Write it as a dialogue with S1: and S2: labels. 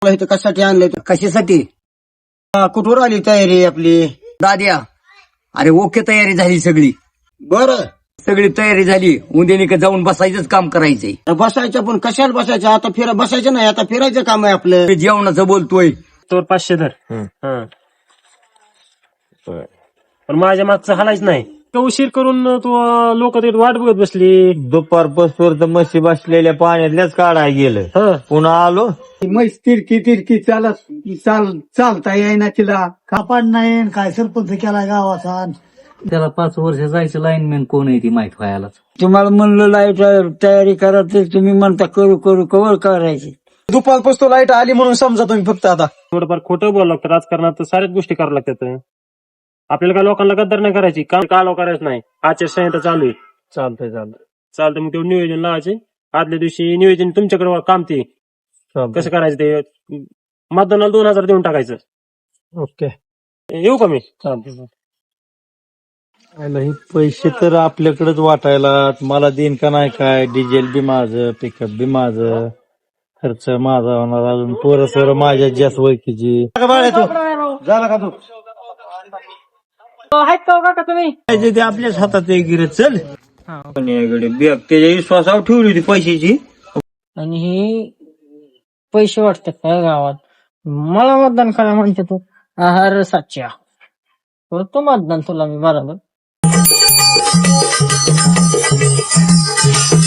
S1: तुला इथं कशासाठी आणलंय?
S2: कशासाठी?
S1: कुठवर आली तयारी आपली?
S2: दाद्या, अरे ओके, तयारी झाली सगळी.
S1: बरं,
S2: सगळी तयारी झाली. उद्या जाऊन बसायचंच काम करायचंय.
S1: बसायचं पण कशाला बसायचं? आता बसायचं नाही, आता फिरायचं काम आहे आपलं.
S2: ते जेवणाचं बोलतोय.
S3: तो 500 धर. हा. पण माझ्या मागचं हालायच नाही. उशीर करून तू लोक वाट बघत बसली.
S4: दुपारपासून तर म्हशी बसलेल्या पाण्यातल्याच काढाय गेलं. पुन्हा आलो.
S5: म्हैस तिरकी चालता येईना तिला. कापाड नाही काय सरपंच केला गावाचा.
S6: त्याला 5 वर्ष जायचं लाईनमॅन कोण आहे ती माहित व्हायला.
S5: तुम्हाला म्हणलं लाईट तयारी करा तर तुम्ही म्हणता करू करू कवर करायची.
S7: दुपारपासून लाईट आली म्हणून समजा तुम्ही फक्त आता.
S3: थोडंफार खोटं बोलावं लागतं. राजकारणात तर साऱ्याच गोष्टी कराव्या लागतात. आपल्याला काय लोकांना गद्दार नाही करायची, कालवा करायचं नाही. आचारसंहिता चालू आहे. चालतंय मग तेवढं नियोजन लावायचे. आदल्या दिवशी नियोजन तुमच्याकडे काम ते कसं करायचं ते मतदानाला 2000 देऊन टाकायचं.
S7: ओके,
S3: येऊ का मी?
S4: हे पैसे तर आपल्याकडेच वाटायला. मला देईन का नाही काय? डिझेल बी माझं, पिकअप बी माझं, खर्च माझा होणार. अजून पोरं माझ्या जास्त वैकीची.
S1: झाला का तू?
S4: ते आपल्याच हातात आहे. गिरे चल
S1: बॅग त्याच्या विश्वासावर ठेवली होती पैशाची.
S8: आणि हे पैसे वाटतात का गावात? मला मतदान करा म्हणते तू. आहार साच्या करतो मतदान तुला मी बरोबर.